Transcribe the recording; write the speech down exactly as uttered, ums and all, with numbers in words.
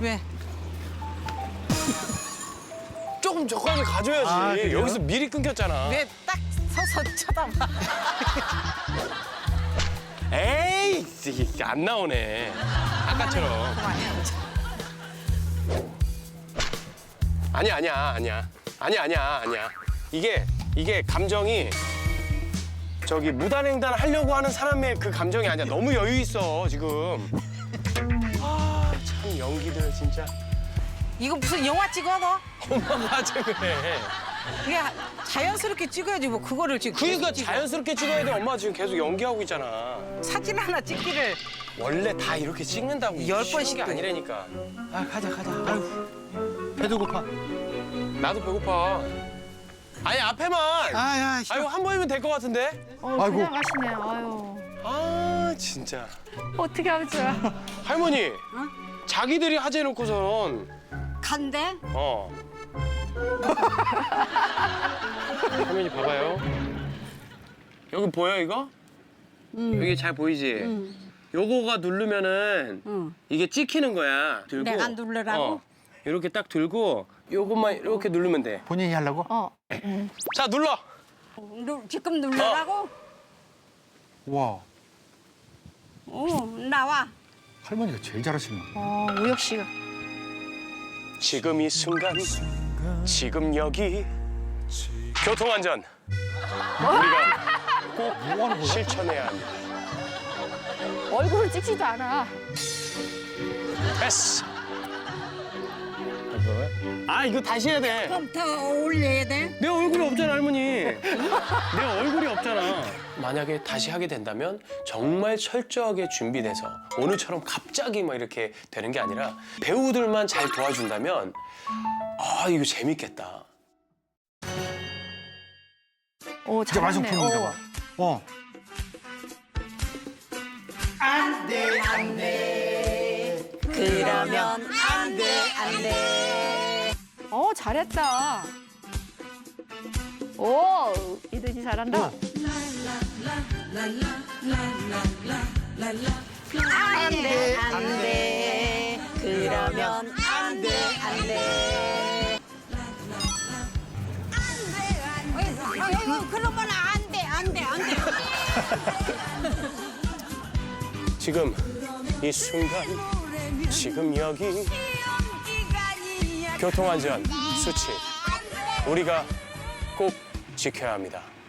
왜? 조금 저까지 가줘야지. 아, 그래요? 여기서 미리 끊겼잖아. 왜 딱 서서 쳐다봐? 에이, 이게 안 나오네. 아까처럼. 그만해. 아니야, 아니야, 아니야. 아니야, 아니야, 아니야. 이게, 이게 감정이 저기 무단횡단 하려고 하는 사람의 그 감정이 아니야. 너무 여유 있어, 지금. 아, 참 연기들 진짜. 이거 무슨 영화 찍어 너? 엄마 맞아 그래. 그게 자연스럽게 찍어야지 뭐 그거를 지금. 그러니까 계속 찍어. 자연스럽게 찍어야 돼. 엄마 지금 계속 연기하고 있잖아. 사진 하나 찍기를 원래 다 이렇게 찍는다고. 열 쉬운 번씩 게 또. 아니라니까. 아 가자 가자. 아유 배도 고파. 나도 배고파. 아니 앞에만. 아야. 아유 한 번이면 될 것 같은데. 어, 아이고. 그냥 가시네요. 아유. 아 진짜. 어떻게 하면 좋아. 할머니. 자기들이 하재 놓고선. 간대? 어. 할머니 봐봐요. 여기 보여 이거? 여기 잘 보이지? 요거가 누르면은 응. 이게 찍히는 거야. 들고. 내가 누르라고? 어. 이렇게 딱 들고 요것만 이렇게 누르면 돼. 본인이 하려고? 어. 자 눌러. 누, 지금 누르라고? 와 어, 나와. 할머니가 제일 잘하시는 거. 어, 우혁 씨가. 지금 이 순간, 지금 여기 교통안전 우리가 꼭 뭐 하는 거야? 실천해야 합니다. 얼굴을 찍지도 않아. 됐어. 아 이거 다시 해야 돼. 그럼 더 올려야 돼? 내 얼굴이 없잖아 할머니. 내 얼굴이 없잖아. 만약에 다시 하게 된다면 정말 철저하게 준비돼서 오늘처럼 갑자기 막 이렇게 되는 게 아니라 배우들만 잘 도와준다면 아 이거 재밌겠다. 오, 진짜 잘하네. 완성품인가 봐. 어. 그러면 안 돼, 안 돼. 어, 잘했다. 오, 이든이 잘한다. 안 돼, 안 돼. 그러면 안 돼, 안 돼. 아이고, 그러면 안 돼, 안 돼, 안 돼. 지금 이 순간, 지금 여기 교통안전 수칙 우리가 꼭 지켜야 합니다.